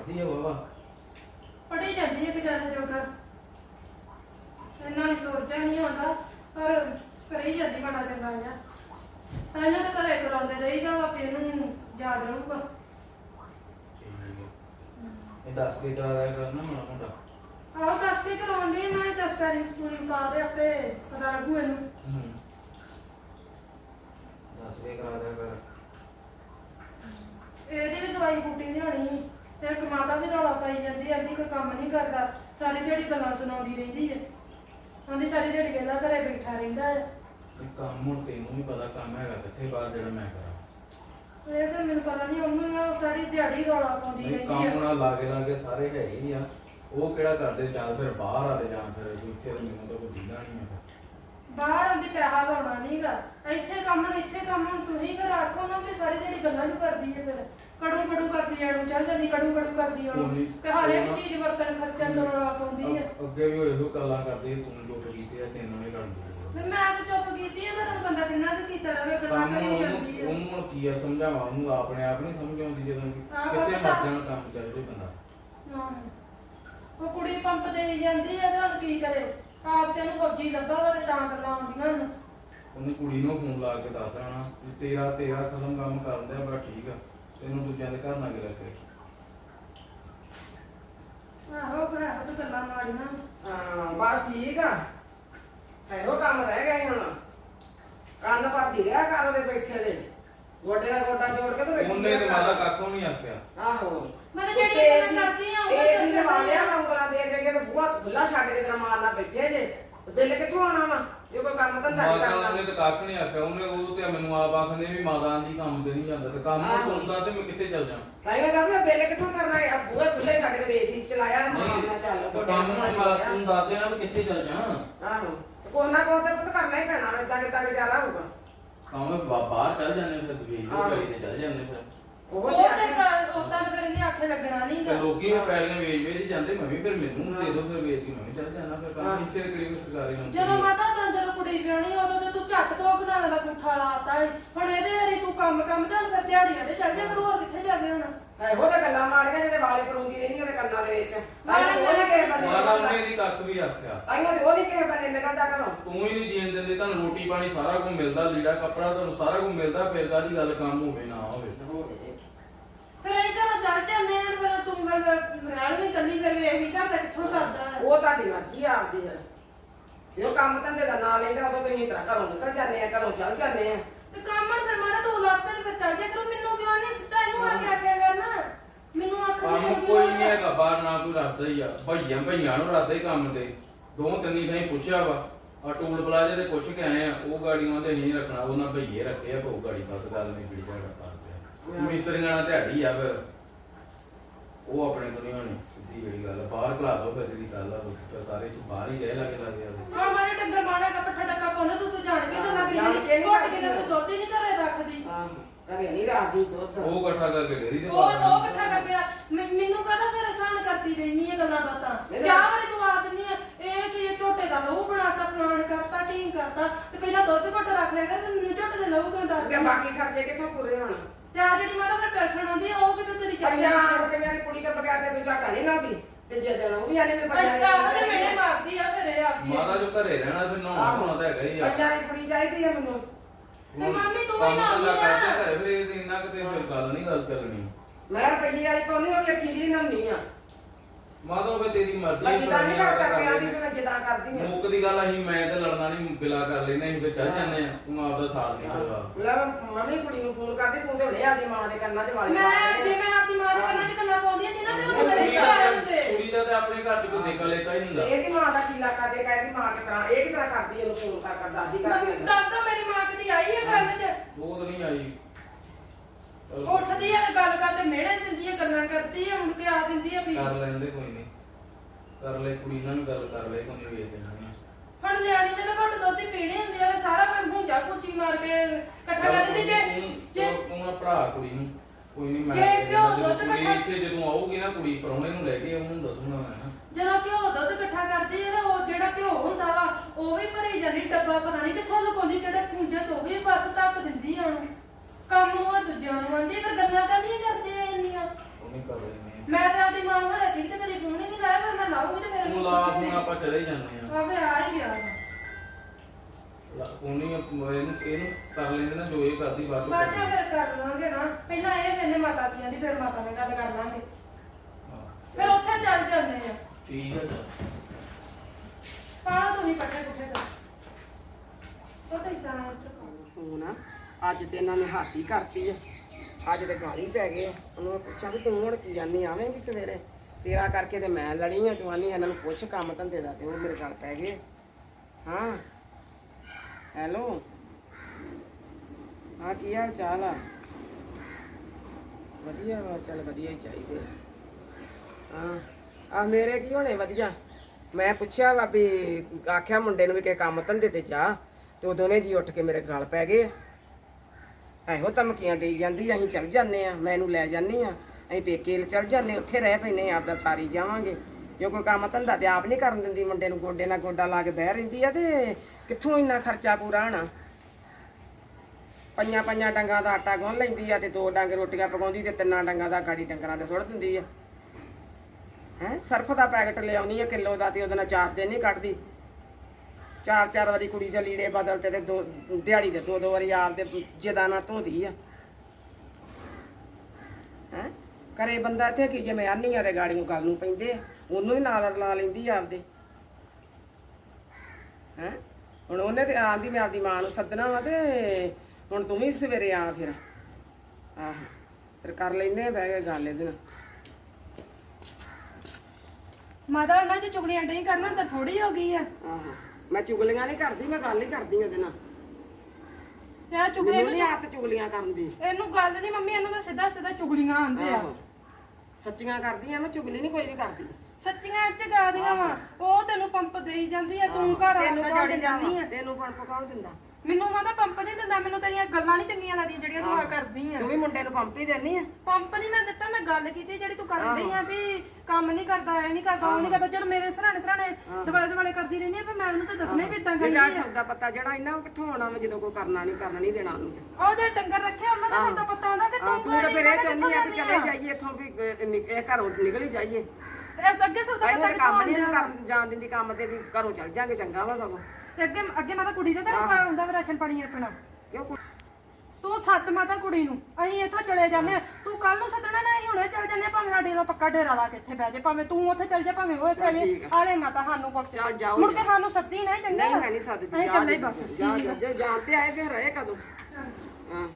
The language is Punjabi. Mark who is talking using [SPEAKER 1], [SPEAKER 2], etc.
[SPEAKER 1] ਪੜਦੀ ਆ ਬਾਬਾ
[SPEAKER 2] ਪੜੀ ਜਾਂਦੀ ਹੈ ਕਿਦਾਂ ਜੋਗਾ ਇੰਨਾ ਨਹੀਂ ਸੋਚਿਆ ਨਹੀਂ ਹੁੰਦਾ ਪਰ ਕਰੀ ਜਾਂਦੀ ਬੜਾ ਚੰਗਾ ਆ ਇਹਨਾਂ ਦੇ ਘਰੇ ਕਰਾਉਂਦੇ ਰਹੀਦਾ ਵਾ ਫਿਰ ਇਹਨੂੰ ਯਾਦ ਰਹੂਗਾ।
[SPEAKER 1] ਇਹ ਦੱਸ ਕੇ ਕਰਾ ਦਿਆ ਕਰਨਾ ਮਾੜਾ ਮੋਟਾ।
[SPEAKER 2] ਆਹੋ ਦੱਸ ਕੇ ਕਰਾਉਂਦੀ ਮੈਂ 10 ਪੈਰਿੰਗ ਸਕੂਲਿੰਗ ਪਾ ਦੇ ਆਪੇ ਪਤਾ ਲੱਗੂ ਇਹਨੂੰ।
[SPEAKER 1] ਦੱਸ ਕੇ ਕਰਾ ਦਿਆ ਕਰ।
[SPEAKER 2] ਇਹਦੀ ਵੀ ਦਵਾਈ ਬੂਟੀ ਲਿਆਉਣੀ ਤੇ ਇੱਕ ਮਾਤਾ ਵੀ ਰੌਲਾ ਪਾਈ ਜਾਂਦੀ ਆਂਦੀ ਕੋਈ ਕੰਮ ਨਹੀਂ ਕਰਦਾ ਸਾਰੀ ਦਿਹਾੜੀ ਗੱਲਾਂ ਸੁਣਾਉਂਦੀ ਰਹਿੰਦੀ ਹੈ ਆਂਦੀ ਸਾਰੀ ਦਿਹਾੜੀ ਵੇਲਾ ਘਰੇ ਬੈਠਾ ਰਹਿੰਦਾ ਹੈ।
[SPEAKER 1] ਕੰਮ ਹੁਣ ਤੈਨੂੰ ਨਹੀਂ ਪਤਾ ਕੰਮ ਹੈਗਾ ਕਿੱਥੇ ਬਾਹਰ ਜਿਹੜਾ ਮੈਂ ਕਰਾਂ।
[SPEAKER 2] ਇਹ ਤਾਂ ਮੈਨੂੰ ਪਤਾ ਨਹੀਂ ਉਹਨੂੰ ਉਹ ਸਾਰੀ ਦਿਹਾੜੀ ਰੌਲਾ ਪਾਉਂਦੀ ਰਹਿੰਦੀ ਹੈ।
[SPEAKER 1] ਕੰਮ ਨਾਲ ਲਾਗੇ ਸਾਰੇ ਹੈਗੇ ਹੀ ਆ ਉਹ ਕਿਹੜਾ ਕਰਦੇ ਜਾਂ ਫਿਰ ਬਾਹਰ ਆਦੇ ਜਾਂ ਫਿਰ ਇੱਥੇ ਤਾਂ ਮੈਨੂੰ ਤਾਂ ਕੋਈ ਦੀਦਾ ਨਹੀਂ ਹੈ।
[SPEAKER 2] ਬਾਹਰ ਆਂਦੀ ਪੈਸਾ ਲਾਉਣਾ ਨਹੀਂਗਾ ਇੱਥੇ ਕੰਮ ਹੁਣ ਤੁਸੀਂ ਫਿਰ ਆਖੋ ਨਾ ਕਿ ਸਾਰੀ ਦਿਹਾੜੀ ਗੱਲਾਂ ਨੂੰ ਕਰਦੀ ਹੈ ਫਿਰ ਕੜੂ ਕਰਦੀ ਆਣੂ ਚੱਲ ਜਾਂਦੀ ਕੜੂ ਕਰਦੀ ਆਣੂ ਕਿ ਹਰ ਇੱਕ ਚੀਜ਼ ਵਰਤਨ ਖਰਚਣ ਤੋਂ ਰੌਲਾ ਪਾਉਂਦੀ ਹੈ।
[SPEAKER 1] ਅੱਗੇ ਵੀ ਇਹੋ ਗੱਲਾਂ ਕਰਦੀ ਤੂੰ ਜੋ ਕੀਤੀ ਆ ਤੈਨੂੰ ਨਹੀਂ ਕਰਦੀ।
[SPEAKER 2] ਮੈਂ ਤਾਂ ਚੁੱਪ ਕੀਤੀ ਹੈ ਪਰ ਬੰਦਾ ਕਿੰਨਾ ਕੁ ਕੀਤਾ ਰਵੇ ਗੱਲਾਂ ਕਰੀ ਜਾਂਦੀ ਹੈ।
[SPEAKER 1] ਉਹਨੂੰ ਹੁਣ ਕੀ ਆ ਸਮਝਾਵਾਂ ਉਹਨੂੰ ਆਪਣੇ ਆਪ ਨਹੀਂ ਸਮਝ ਆਉਂਦੀ ਜਦੋਂ ਕਿੱਥੇ ਮਰ ਜਾਣਾ ਕੰਮ ਚੱਲ ਜੇ ਬੰਦਾ।
[SPEAKER 2] ਉਹ ਕੁੜੀ ਪੰਪ ਦੇਈ ਜਾਂਦੀ ਹੈ ਤੇ ਹੁਣ ਕੀ ਕਰੇ ਆਪ ਤੇ ਉਹਨੂੰ ਫੌਜੀ ਲੱਭਾ ਵਾ ਤੇ ਤਾਂ ਗੱਲਾਂ ਆਉਂਦੀਆਂ ਨੇ।
[SPEAKER 1] ਉਹਨੇ ਕੁੜੀ ਨੂੰ ਫੋਨ ਲਾ ਕੇ ਦੱਸ ਦੇਣਾ ਤੇਰਾ ਖਤਮ ਕੰਮ ਕਰਦੇ ਆ ਬਸ ਠੀਕ ਆ ਤੈਨੂੰ ਦੂਜਿਆਂ ਦੇ ਘਰ ਨਾ ਗਿਲਾ ਕਰੇ।
[SPEAKER 2] ਆਹੋ ਤਾਂ ਗੱਲਾਂ ਮਾੜੀਆਂ।
[SPEAKER 3] ਹਾਂ ਬਸ ਠੀਕ ਆ ਇਹੋ ਕੰਮ ਰਹਿ ਗਿਆ ਹੁਣ ਕੰਨ ਭਰਦੀ ਰਿਹਾ ਘਰ ਦੇ ਬੈਠੇ ਦੇ ਗੋਡੇ ਦਾ ਗੋਡਾ ਜੋੜ ਕੇ ਤੇ ਬੈਠੀ
[SPEAKER 1] ਉਹਨੇ ਤੇ ਮਾਦਾ ਕੱਖੋਂ ਨਹੀਂ ਆਖਿਆ।
[SPEAKER 3] ਆਹੋ
[SPEAKER 2] ਮੈਂ ਤਾਂ ਜਿਹੜੀ ਗੱਲਾਂ ਕਰਦੀ ਆ ਉਹ
[SPEAKER 3] ਇਹ ਸੀ ਵਾਲਿਆ ਉਂਗਲਾਂ ਦੇ ਕੇ ਤੇ ਬੂਹਾ ਖੁੱਲਾ ਛੱਡ ਕੇ ਤੇਰਾ ਮਾਰਨਾ ਬੈਠੇ ਜੇ ਬਿੱਲ ਕਿੱਥੋਂ ਆਉਣਾ ਵਾ ਇਹ ਕੋਈ ਕੰਮ ਧੰਦਾ ਨਹੀਂ
[SPEAKER 1] ਮਾਤਾ
[SPEAKER 3] ਕਰਨਾ।
[SPEAKER 1] ਉਹਨੇ ਤੇ ਕੱਖ ਨਹੀਂ ਆਖਿਆ ਉਹਨੇ ਉਹ ਤੇ ਮੈਨੂੰ ਆਪ ਆਖਦੇ ਵੀ ਮਾਤਾ ਦੀ ਕੰਮ ਤੇ ਨਹੀਂ ਜਾਂਦਾ ਤੇ ਕੰਮ ਹੁੰਦਾ ਤੇ ਮੈਂ ਕਿੱਥੇ ਚੱਲ ਜਾਵਾਂ।
[SPEAKER 3] ਤਾਈਓ ਕਹਿੰਦਾ ਬਿੱਲ ਕਿੱਥੋਂ ਕਰਨਾ ਹੈ ਬੂਹੇ ਖੁੱਲੇ ਛੱਡ ਕੇ ਏਸੀ ਚਲਾਇਆ ਮਾਰਨਾ ਚੱਲ ਗੋਡੇ
[SPEAKER 1] ਕੰਮ ਨੂੰ ਤੂੰ ਦੱਸ ਦੇਣਾ ਵੀ ਕਿੱਥੇ ਚੱਲ ਜਾ।
[SPEAKER 3] ਆਹੋ ਕੋਨਾ ਕੋ ਤੇ ਪੁੱਤ ਕਰਨਾ ਹੀ ਪੈਣਾ ਇਦਾਂ ਕਿਦਾਂ ਗੁਜ਼ਾਰਾ ਹੋਊਗਾ।
[SPEAKER 1] ਕੰਮ ਬਾਹਰ ਚੱਲ ਜਾਂਦੇ ਫਿਰ ਦੂਜੀ ਗਲੀ ਤੇ ਚੱਲ ਜਾਂਦੇ ਫਿਰ
[SPEAKER 3] ਉਹ
[SPEAKER 2] ਤੇ ਉਦਾਂ ਫਿਰ ਇਹਨੇ ਆਖੇ ਲੱਗਣਾ ਨਹੀਂ
[SPEAKER 1] ਤੇ ਲੋਕੀ ਉਹ ਪੈਲੀਆਂ ਵੇਚ ਜਾਂਦੇ ਮੈਂ ਵੀ ਫਿਰ ਮੈਨੂੰ ਦੇ ਦੋ ਫਿਰ ਵੇਚ ਕੇ ਮੈਂ ਵੀ ਚੱਲ ਜਾਣਾ ਫਿਰ ਕੰਮ ਇੱਥੇ ਕਰੀਬ ਸਰਕਾਰੀ ਨੌਕਰੀ।
[SPEAKER 2] ਜਦੋਂ ਮਾਤਾ ਜਦੋਂ ਕੁੜੀ ਵਿਆਹਣੀ ਉਦੋਂ ਤੇ ਤੂੰ ਝੱਟ ਤੋਂ ਬਣਾਉਣ ਦਾ ਪੁੱਠਾ ਲਾਤਾ ਏ ਹੁਣ ਇਹਦੇ ਹਰੀ ਤੂੰ ਕੰਮ ਤਾਂ ਫਿਰ ਦਿਹਾੜੀਆਂ ਤੇ ਚੱਲ ਜਾ ਕਰੂ ਹੋਰ ਕਿੱਥੇ ਜਾਵੇ ਹੁਣ।
[SPEAKER 3] ਇਹੋ ਤਾਂ ਗੱਲਾਂ ਮਾਰੀਆਂ ਜਿਹੜੇ ਵਾਲੇ ਕਰੂੰਦੀ ਰਹਿੰਦੀ ਉਹਦੇ ਕੰਨਾਂ ਦੇ ਵਿੱਚ ਆਈਓ ਉਹ ਨਹੀਂ ਕਿਸੇ ਬੰਦੇ
[SPEAKER 1] ਮਾਤਾ ਉਹਨੇ ਦੀ ਕੱਖ ਵੀ ਆਖਿਆ
[SPEAKER 3] ਆਈਓ ਤੇ ਉਹ ਨਹੀਂ ਕਿਸੇ ਬੰਦੇ ਨਿਕਲਦਾ ਘਰੋਂ।
[SPEAKER 1] ਤੂੰ ਹੀ ਨਹੀਂ ਜੀਣ ਦਿੰਦੇ ਤੁਹਾਨੂੰ ਰੋਟੀ ਪਾਣੀ ਸਾਰਾ ਕੁਝ ਮਿਲਦਾ ਲੀੜਾ ਕੱਪੜਾ ਤੁਹਾਨੂੰ ਸਾਰਾ ਕੁਝ ਮਿਲਦਾ ਫਿਰ ਕਾਹਦੀ ਗੱਲ ਕੰਮ ਹੋਵੇ ਨਾ ਹੋਵੇ।
[SPEAKER 2] ਫਿਰ ਅਸੀਂ ਘਰੋਂ ਚੱਲ ਜਾਂਦੇ ਆ ਫਿਰ ਤੂੰ ਗੱਲ ਰਹਿਣ ਵੀ ਕੱਲੀ ਫਿਰ ਇਹੀ ਘਰ ਦਾ ਕਿੱਥੋਂ ਸਰਦਾ ਹੈ।
[SPEAKER 3] ਉਹ ਤੁਹਾਡੀ ਮਰਜ਼ੀ ਆ ਆਪਦੀ ਹੈ ਜਦੋਂ ਕੰਮ ਧੰਦੇ ਦਾ ਨਾਂ ਲੈਂਦਾ ਉਦੋਂ ਤੁਸੀਂ ਤਰ੍ਹਾਂ ਘਰੋਂ ਨਿਕਲ ਜਾਂਦੇ ਆ ਘਰੋਂ ਚੱਲ ਜਾਂਦੇ ਆ।
[SPEAKER 2] ਤੇ ਕੰਮ ਫਿਰ ਮਾਤਾ ਤੂੰ ਲੱਗ ਕੇ ਫਿਰ ਚੱਲ ਜਾ ਕਰੂ ਮੈਨੂੰ ਕਿਉਂ ਨਹੀਂ ਸਿੱਧਾ ਇਹਨੂੰ ਆ ਕੇ ਆਖਿਆ ਕਰਨਾ ਮੈਨੂੰ ਆਖਣ ਦੀ
[SPEAKER 1] ਕੰਮ ਕੋਈ ਨਹੀਂ ਹੈਗਾ ਬਾਹਰ ਨਾ ਕੋਈ ਰੱਖਦਾ ਹੀ ਆ ਭਈਆਂ ਨੂੰ ਰੱਖਦਾ ਹੀ ਕੰਮ ਤੇ ਦੋ ਤਿੰਨੀ ਥਾਈ ਪੁੱਛਿਆ ਵਾ ਆ ਟੂਲ ਪਲਾਜ਼ੇ ਤੇ ਪੁੱਛ ਕੇ ਆਏ ਆ ਉਹ ਗਾੜੀਆਂ ਤੇ ਨਹੀਂ ਰੱਖਣਾ ਉਹਨਾਂ ਭਈਏ ਰੱਖੇ ਆ ਉਹ ਗਾੜੀ ਬਸ ਗੱਲ ਨਹੀਂ ਕਿਹੜੀ ਝਗੜਾ ਪਾਉਂਦੇ ਮਿਸਤਰੀਆਂ ਨਾਲ ਦਿਹਾੜੀ ਆ ਫਿਰ ਉਹ ਆਪਣੇ ਦੁਨੀਆ ਨਹੀਂ ਸਿੱਧੀ ਜਿਹੜੀ ਗੱਲ ਬਾਹਰ ਘਲਾ ਦੋ ਫਿਰ ਜਿਹੜੀ ਗੱਲ ਆ ਉਹ ਸਾਰੇ ਬਾਹਰ ਹੀ ਰਹਿ ਲੱਗੇ
[SPEAKER 2] ਹਾਂ ਮਾਰੇ ਡੰਗਰ ਮਾੜਾ ਕਾ ਪੱਠਾ ਡੱਕਾ ਪਾਉਣਾ ਤੂੰ ਜਾਣ ਕੇ ਤਾਂ ਲੱਗ ਜਾਂਦੀ ਘੁੱਟ ਕੇ ਤਾਂ ਤੂੰ ਦੁੱਧ ਹੀ ਨਹੀਂ ਘਰੇ ਰੱਖਦੀ।
[SPEAKER 3] ਘਰੇ ਨਹੀਂ ਰੱਖਦੀ ਦੁੱਧ
[SPEAKER 1] ਉਹ ਇਕੱਠਾ ਕਰਕੇ ਡੇਰੀ ਤੇ
[SPEAKER 2] ਉਹ ਇਕੱਠਾ ਕਰਕੇ ਮੈਨੂੰ ਕਹਦਾ ਫਿਰ ਆਸਾਨ ਕਰਦੀ ਰਹਿਨੀ ਹੈ ਗੱਲਾਂ ਬਾਤਾਂ ਚਾਹ ਵਾਰੀ ਤੂੰ ਆ ਦਿੰਦੀ ਆ ਇਹ ਕੀ ਝੋਟੇ ਦਾ ਲਹੂ ਬਣਾਤਾ ਫਲਾਣ ਕਰਤਾ ਢੀਂਗ ਕਰਤਾ ਤੇ ਪਹਿਲਾਂ ਦੁੱਧ ਘੁੱਟ ਰੱਖ ਲਿਆ ਕਰ ਤੇ ਮੈਨੂੰ ਝੋਟੇ ਦੇ ਲਹੂ ਕਿਉਂ ਦੱਸ
[SPEAKER 3] ਤੇ ਬਾਕੀ ਖਰਚੇ ਕਿੱਥੋਂ ਪੂਰੇ ਹੋਣ।
[SPEAKER 2] ਤੇ ਆ ਜਿਹੜੀ ਮਾਤਾ ਫਿਰ ਪੈਨਸ਼ਨ ਆਉਂਦੀ ਉਹ ਕਿਤੇ ਤੇਰੀ ਚੱਲ
[SPEAKER 3] 50 ਰੁਪਈਆਂ ਦੀ ਕੁੜੀ ਤੋਂ ਬਗੈਰ ਤੇ ਤੂੰ ਝਾਕਾ ਨਹੀਂ ਲਾਉਂਦੀ ਤੇ ਜੇ ਉਹ ਵੀ ਆਲੇ ਵੀ
[SPEAKER 2] ਅੱਛਾ ਉਹਦੇ ਮੇਰੇ ਮਾਰਦੀ ਆ ਫਿਰ ਇਹ ਆਖਦੀ
[SPEAKER 1] ਮਾਤਾ ਜੋ ਘਰੇ ਰਹਿਣਾ ਫਿਰ ਨਹਾਉਣਾ ਧੋਣਾ ਤਾਂ ਹੈਗਾ ਹੀ ਆ।
[SPEAKER 3] ਪੰਜਾਂ ਦੀ ਕੁੜੀ ਚਾਹੀਦੀ ਆ ਮੈਨੂੰ।
[SPEAKER 2] ਤੇ ਮੰਮੀ ਤੂੰ ਵੀ
[SPEAKER 1] ਕੰਮ ਧੰਦਾ
[SPEAKER 2] ਨਹਾਉਂਦੀ ਆ।
[SPEAKER 1] ਕਰਦੇ ਘਰੇ ਫਿਰ ਇਹ ਇੰਨਾ ਕਿਤੇ ਫਿਰ ਗੱਲ ਨਹੀਂ ਗੱਲ ਕਰਨੀ।
[SPEAKER 3] ਮੈਂ ਰੁਪਈਏ ਵਾਲੀ ਕੋਨੀ ਉਹ ਵੀ ਅੱਖੀ ਦੀ ਨਹਾਉਣੀ ਆ
[SPEAKER 1] ਮਾਤਾ ਵੀ ਤੇਰੀ ਮਰਜ਼ੀ
[SPEAKER 3] ਮੈਂ ਜਿੱਦਾਂ ਨਹੀਂ
[SPEAKER 1] ਆ,
[SPEAKER 3] ਕਰਕੇ ਆਂਦੀ ਮੈਂ ਜਿੱਦਾਂ ਕਰਦੀ ਆ।
[SPEAKER 1] ਮੁੱਕ ਦੀ ਗੱਲ ਅਸੀਂ ਮੈਂ ਤੇ ਲੜਨਾ ਨਹੀਂ ਬਿਲਾ ਕਰ ਲੈਨੇ ਅਸੀਂ ਫਿਰ ਚੱਲ ਜਾਂਦੇ ਆ ਤੂੰ ਆਪਦਾ ਸਾਥ ਨਹੀਂ ਦੇਵਾ।
[SPEAKER 3] ਲੈ ਮੰਮੀ ਕੁੜੀ ਨੂੰ ਫੋਨ ਕਰਦੀ ਤੂੰ ਤੇ ਹੁਣੇ ਆਦੀ ਮਾਂ ਦੇ ਕੰਨਾਂ 'ਚ ਵਾਲੇ
[SPEAKER 2] ਮੈਂ ਜੇ ਮੈਂ ਆਪਣੀ ਮਾਂ ਦੇ ਕੰਨਾਂ 'ਚ ਗੱਲਾਂ ਪਾਉਂਦੀਆਂ ਸੀ ਨਾ ਤੇ ਉਹਨੂੰ ਮੇਰੇ ਘਰ ਆ ਜਾਂਦੇ।
[SPEAKER 1] ਕੁੜੀ ਦਾ ਤੇ ਆਪਣੇ ਘਰ 'ਚ ਕੋਈ ਦੇਖਾ ਲੇਖਾ ਹੀ ਨਹੀਂ ਹੁੰਦਾ।
[SPEAKER 3] ਇਹਦੀ ਮਾਂ ਦਾ ਕੀਲਾ ਕਰਦੇ ਕਹਿੰਦੀ ਮਾਂ ਕਿਸ ਤਰ੍ਹਾਂ ਇਹ ਕਿਸ ਤਰ੍ਹਾਂ ਕਰਦੀ ਇਹਨੂੰ ਫੋਨ ਕਰ ਦਾਦੀ ਕਰਦੀ ਹੈ।
[SPEAKER 2] ਦੱਸ ਦੋ ਮੇਰੀ ਮਾਂ ਕਦੀ ਆਈ ਹੈ ਘਰ 'ਚ
[SPEAKER 1] ਉਹ ਤਾਂ ਨਹੀਂ ਆਈ।
[SPEAKER 2] ਉੱਠਦੀ ਆ ਗੱਲ ਕਰਦੇ ਮਿਹਣੇ ਦਿੰਦੀ ਆ ਗੱਲਾਂ ਕਰਦੀ ਆ ਮੁੜ ਕੇ ਆ ਦਿੰਦੀ ਆ ਵੀ
[SPEAKER 1] ਕਰ ਲੈਂਦੇ ਕੋਈ ਨਹੀਂ ਕਰ ਲੈ ਕੁੜੀ ਨਾਲ ਵੀ ਗੱਲ ਕਰ ਲੈ ਕੋਈ ਨਹੀਂ ਵੇਚ ਦੇਣੀ।
[SPEAKER 2] ਹੁਣ ਨਿਆਣੀ ਨੇ ਤਾਂ ਘੱਟ ਦੁੱਧ ਹੀ ਪੀਣੀ ਹੁੰਦੀ ਆ ਸਾਰਾ ਮੈਂ ਭੂੰਜਾ ਕੁੱਚੀ ਮਾਰ ਕੇ ਇਕੱਠਾ ਕਰ ਦਿੰਦੀ ਜੇ
[SPEAKER 1] ਤੂੰ ਨਾ ਭਰਾ ਕੁੜੀ ਨੂੰ ਕੋਈ ਨਹੀਂ ਮੈਂ
[SPEAKER 2] ਜੇ ਘਿਓ ਦੁੱਧ
[SPEAKER 1] ਕੁੜੀ
[SPEAKER 2] ਇਕੱਠਾ-
[SPEAKER 1] ਇੱਥੇ ਜਦੋਂ ਆਊਗੀ ਨਾ ਕੁੜੀ ਪਰੌਣੇ ਨੂੰ ਲੈ ਕੇ ਉਹਨੂੰ ਦੱਸੂਗਾ ਮੈਂ ਨਾ।
[SPEAKER 2] ਜਦੋਂ ਘਿਓ ਦੁੱਧ ਇਕੱਠਾ ਕਰਦੀ ਆ ਤਾਂ ਉਹ ਜਿਹੜਾ ਘਿਓ ਹੁੰਦਾ ਵਾ ਉਹ ਵੀ ਭਰੀ ਜਾਂਦੀ ਡੱਬਾ ਪਤਾ ਨਹੀਂ ਕਿੱਥੇ ਲੁਕਾਉਂਦੀ ਕਿਹੜੇ ਪੂੰਜੇ ਚ ਉਹ ਵੀ ਬਸ ਤੱਕ ਦਿੰਦੀ ਆ ਉਹਨੂੰ ਕੰਮ ਨੂੰ ਉਹ ਦੂਜਿਆਂ ਨੂੰ ਆਂਦੀ ਫਿਰ ਗੱਲਾਂ ਕਾਹਦੀਆਂ ਕਰਦੇ ਆ ਇੰਨੀਆਂ।
[SPEAKER 1] ਉਹ ਨਹੀਂ ਕਰ ਲੈਣੀ
[SPEAKER 2] ਮੈਂ ਤਾਂ ਆਪਣੀ
[SPEAKER 1] ਚਲੇ ਹੀ ਜਾਂਦੇ ਆ
[SPEAKER 2] ਆਵੇ ਆ ਹੀ ਗਿਆ
[SPEAKER 1] ਉਹਨੇ ਇਹਨੂੰ ਕਰ ਲੈਂਦੇ ਨਾ ਜੋ ਇਹ ਕਰਦੀ ਬਾਅਦ ਚੋਂ
[SPEAKER 2] ਬਾਅਦ ਚ ਫਿਰ ਕਰ ਲਾਂਗੇ ਨਾ ਪਹਿਲਾਂ ਇਹ ਕਹਿੰਦੇ ਮਾਤਾ ਦੀਆਂ ਦੀ ਫਿਰ ਮਾਤਾ ਨਾਲ ਗੱਲ ਕਰ ਲਾਂਗੇ ਫਿਰ ਉੱਥੇ ਚੱਲ ਜਾਂਦੇ ਆ
[SPEAKER 1] ਠੀਕ ਹੈ ਚੱਲ
[SPEAKER 2] ਪਾਣਾ ਤੁਸੀਂ ਪੱਠੇ ਪੁੱਠੇ ਕਰ ਉਹ ਤਾਂ ਇਦਾਂ
[SPEAKER 3] ਫੋਨ ਆ ਅੱਜ ਤੇ ਇਹਨਾਂ ਨੇ ਹਾਥੀ ਕਰਤੀ ਆ ਅੱਜ ਤੇ ਗਾਲੀ ਪੈ ਗਏ ਆ। ਉਹਨੂੰ ਮੈਂ ਪੁੱਛਾਂ ਵੀ ਤੂੰ ਹੁਣ ਕੀ ਜਾਨੀ ਆਵੇਂਗੀ ਸਵੇਰੇ ਤੇਰਾ ਕਰਕੇ ਤੇ ਮੈਂ ਲੜੀ ਆ ਜਵਾਨੀ ਇਹਨਾਂ ਨੂੰ ਪੁੱਛ ਕੰਮ ਧੰਦੇ ਦਾ ਤੇ ਉਹ ਮੇਰੇ ਗੱਲ ਪੈ ਗਏ ਹਾਂ ਹੈਲੋ ਹਾਂ ਕੀ ਹਾਲ ਚਾਲ ਆ ਵਧੀਆ ਵਾ ਚੱਲ ਵਧੀਆ ਹੀ ਚਾਹੀਦੇ ਹਾਂ ਆ ਮੇਰੇ ਕੀ ਹੋਣੇ ਵਧੀਆ ਮੈਂ ਪੁੱਛਿਆ ਵਾ ਵੀ ਆਖਿਆ ਮੁੰਡੇ ਨੂੰ ਵੀ ਕਿ ਕੰਮ ਧੰਦੇ ਤੇ ਜਾ ਤੇ ਉਹ ਦੋਨੇ ਜੀ ਉੱਠ ਕੇ ਮੇਰੇ ਗਲ ਪੈ ਗਏ ਇਹੋ ਧਮਕੀਆਂ ਦੇਈ ਜਾਂਦੀ ਅਸੀਂ ਚੱਲ ਜਾਂਦੇ ਆ ਮੈਨੂੰ ਲੈ ਜਾਂਦੀ ਆ ਅਸੀਂ ਪੇਕੇ ਚੱਲ ਜਾਂਦੇ ਉੱਥੇ ਰਹਿ ਪੈਨੇ ਆਪਦਾ ਸਾਰੀ ਜਾਵਾਂਗੇ ਜੋ ਕੋਈ ਕੰਮ ਧੰਦਾ ਤੇ ਆਪ ਨਹੀਂ ਕਰਨ ਦਿੰਦੀ ਮੁੰਡੇ ਨੂੰ ਗੋਡੇ ਨਾਲ ਗੋਡਾ ਲਾ ਕੇ ਬਹਿ ਰਹਿੰਦੀ ਆ ਤੇ ਕਿੱਥੋਂ ਇੰਨਾ ਖਰਚਾ ਪੂਰਾ ਹੋਣਾ ਪੰਜਾਂ ਡੰਗਾਂ ਦਾ ਆਟਾ ਗੁੰਨ ਲੈਂਦੀ ਆ ਤੇ 2 ਡੰਗ ਰੋਟੀਆਂ ਪਕਾਉਂਦੀ ਤੇ 3 ਡੰਗਾਂ ਦਾ ਗਾੜੀ ਡੰਗਰਾਂ ਤੇ ਸੁੱਟ ਦਿੰਦੀ ਆ ਹੈ ਸਰਫ ਦਾ ਪੈਕਟ ਲਿਆਉਣੀ ਆ ਕਿਲੋ ਦਾ ਤੇ ਉਹਦੇ ਨਾਲ 4 ਦਿਨ ਨਹੀਂ ਕੱਢਦੀ 4 ਵਾਰੀ ਕੁੜੀ ਦੇ ਲੀੜੇ ਬਦਲਤੇ ਤੇ ਦਿਹਾੜੀ ਦੇ 2 ਵਾਰੀ ਆਪ ਦੇ ਜਦਾਨਾ ਧੋਂਦੀ ਆ ਹੈ ਕਰੇ ਬੰਦਾ ਇੱਥੇ ਕੀ ਜਿਵੇਂ ਆਨੀ ਆ ਤੇ ਗਾੜੀਆਂ ਗੱਲ ਨੂੰ ਪੈਂਦੇ ਆ ਉਹਨੂੰ ਵੀ ਨਾਲ ਲਾ ਲੈਂਦੀ ਆ ਆਪਦੇ ਹੈ ਹੁਣ ਉਹਨੇ ਤੇ ਆਂਦੀ ਮੈਂ ਆਪਦੀ ਮਾਂ ਨੂੰ ਸੱਦਣਾ ਵਾ ਤੇ ਹੁਣ ਤੂੰ ਵੀ ਸਵੇਰੇ ਆ ਫਿਰ ਆਹੋ ਫਿਰ ਕਰ ਲੈਨੇ ਆ ਬਹਿ ਕੇ ਗੱਲ ਇਹਦੇ ਨਾਲ
[SPEAKER 2] ਮਾਤਾ ਉਹਨਾਂ ਚ ਚੁਗਲੀਆਂ ਨਹੀਂ ਕਰਨਾ ਤਾਂ ਥੋੜੀ ਹੋ ਗਈ ਆ
[SPEAKER 3] ਆਹੋ ਮੈਂ ਚੁਗਲੀਆਂ ਨਹੀਂ ਕਰਦੀ ਮੈਂ ਗੱਲ ਹੀ ਕਰਦੀ ਉਹਦੇ ਨਾਲ
[SPEAKER 2] ਇਹ ਚੁਗਲੀਆਂ
[SPEAKER 3] ਮੈਨੂੰ ਨਹੀਂ ਆਦਤ ਚੁਗਲੀਆਂ ਕਰਨ ਦੀ
[SPEAKER 2] ਇਹਨੂੰ ਗੱਲ ਨਹੀਂ ਮੰਮੀ ਇਹਨੂੰ ਤਾਂ ਸਿੱਧਾ ਸਿੱਧਾ ਚੁਗਲੀਆਂ ਆਉਂਦੇ ਆ
[SPEAKER 3] ਆਹੋ ਸੱਚੀਆਂ ਕਰਦੀ ਆ ਮੈਂ ਚੁਗਲੀ ਨਹੀਂ ਕੋਈ ਵੀ ਕਰਦੀ
[SPEAKER 2] ਸੱਚੀਆਂ ਇੱਚ ਗਾਦੀਆਂ ਵਾ ਉਹ ਤੈਨੂੰ ਪੰਪ ਦੇਈ ਜਾਂਦੀ ਆ ਤੂੰ ਘਰ
[SPEAKER 3] ਤੈਨੂੰ
[SPEAKER 2] ਆਉਂਦਾ
[SPEAKER 3] ਕੌਣ
[SPEAKER 2] ਜੜੀ
[SPEAKER 3] ਦਿੰਦਾ
[SPEAKER 2] ਜਾਂਦੀ
[SPEAKER 3] ਵਾ?
[SPEAKER 2] ਆ
[SPEAKER 3] ਤੈਨੂੰ ਕੌਣ ਦਿੰਦਾ
[SPEAKER 2] ਮੈਨੂੰ ਮਾਤਾ ਪੰਪ ਨਹੀਂ ਦਿੰਦਾ ਮੈਨੂੰ ਤੇਰੀਆਂ ਗੱਲਾਂ ਨਹੀਂ ਚੰਗੀਆਂ ਲੱਗਦੀਆਂ ਜਿਹੜੀਆਂ ਤੂੰ ਆ ਕਰਦੀ ਆ
[SPEAKER 3] ਤੂੰ ਵੀ ਮੁੰਡੇ ਨੂੰ ਪੰਪ ਹੀ ਦੇਣੀ ਆ
[SPEAKER 2] ਪੰਪ ਨਹੀਂ ਮੈਂ ਦਿੱਤਾ ਮੈਂ ਗੱਲ ਕੀਤੀ ਜਿਹੜੀ ਤੂੰ ਕਰਦੀ ਆ ਵੀ ਕੰਮ ਨਹੀਂ ਕਰਦਾ ਐ ਨਹੀਂ ਕਰਦਾ ਉਹ ਨਹੀਂ ਕਰਦਾ ਚਲ ਮੇਰੇ ਸਰਾਣੇ ਦੁਆਲੇ ਕਰਦੀ ਰਹਿੰਦੀ ਆ ਪਰ ਮੈਂ ਉਹਨੂੰ ਤਾਂ ਦੱਸਣਾ ਹੀ ਵੀ ਇਦਾਂ ਕਰਦੀ
[SPEAKER 3] ਇਹਦਾ
[SPEAKER 2] ਆ
[SPEAKER 3] ਸੌਦਾ ਪਤਾ ਜਿਹੜਾ ਇਹਨਾਂ ਉਹ ਕਿੱਥੋਂ ਆਉਣਾ ਵਾ ਜਦੋਂ ਕੋਈ ਕਰਨਾ ਨਹੀਂ ਦੇਣਾ ਉਹਨੂੰ ਤੇ
[SPEAKER 2] ਉਹ ਜੇ ਡੰਗਰ ਰੱਖਿਆ ਉਹਨਾਂ ਦਾ ਸੌਦਾ ਪਤਾ ਹੁੰਦਾ ਕਿ
[SPEAKER 3] ਤੂੰ ਤਾਂ ਫਿਰ ਇਹ ਚਾਹੁੰਦੀ ਆ ਵੀ
[SPEAKER 2] ਕਿੱਥੋਂ
[SPEAKER 3] ਚਲੇ ਜਾਈਏ ਇੱਥੋਂ ਵੀ ਇਹ ਘਰੋਂ ਨਿਕਲ ਹੀ ਜਾਈਏ
[SPEAKER 2] ਇਸ ਅੱਗੇ ਸੌਦਾ
[SPEAKER 3] ਆਈ
[SPEAKER 2] ਪਤਾ
[SPEAKER 3] ਉਹ ਕੰਮ ਨਹੀਂ ਕਰਨ ਜਾਣ ਦਿੰਦੀ ਕੰਮ ਤੇ ਵੀ ਘਰੋਂ ਚੱਲ ਜਾਾਂਗੇ ਚੰਗਾ ਵਾ ਸਗੋਂ
[SPEAKER 2] ਤੇ ਅੱਗੇ ਮਾਤਾ ਕੁੜੀ ਦਾ ਤਾਂ ਹੁੰਦਾ ਵਾ ਰਾਸ਼ਨ ਪਾਣੀ ਆਪਣਾ
[SPEAKER 3] ਕਿਉਂ
[SPEAKER 2] ਤੂੰ ਸੱਤ ਮਾਤਾ ਕੁੜੀ ਨੂੰ ਅਸੀਂ ਇੱਥੋਂ ਚਲੇ ਜਾਂਦੇ ਆ ਤੂੰ ਕੱਲ ਨੂੰ ਸੱਦਣਾ ਨਾ ਅਸੀਂ ਹੁਣੇ ਚੱਲ ਜਾਂਦੇ ਆ ਭਾਵੇਂ ਸਾਡੇ ਨਾਲ ਪੱਕਾ ਡੇਰਾ ਲਾ ਕੇ ਇੱਥੇ ਬਹਿ ਜਾ ਭਾਵੇਂ ਤੂੰ ਉੱਥੇ ਚੱਲ ਜਾ ਭਾਵੇਂ ਉਹ ਇੱਥੇ ਆ
[SPEAKER 3] ਠੀਕ
[SPEAKER 2] ਜੇ
[SPEAKER 3] ਆ।
[SPEAKER 2] ਆਲੇ ਮਾਤਾ ਸਾਨੂੰ
[SPEAKER 3] ਚੱਲ
[SPEAKER 2] ਬਖਸ਼
[SPEAKER 3] ਜਾਓ
[SPEAKER 2] ਮੁੜ ਕੇ ਸਾਨੂੰ ਸੱਦੀ ਨਾ ਚੰਗਾ
[SPEAKER 3] ਨਹੀਂ ਮੈਂ ਨਹੀਂ ਸੱਦਦੀ
[SPEAKER 2] ਅਸੀਂ ਚੱਲੇ ਬਸ
[SPEAKER 3] ਜਾ ਜਾਣਦੇ ਆਏ ਤੇ ਰਹੇ ਕਦੋਂ ਹਾਂ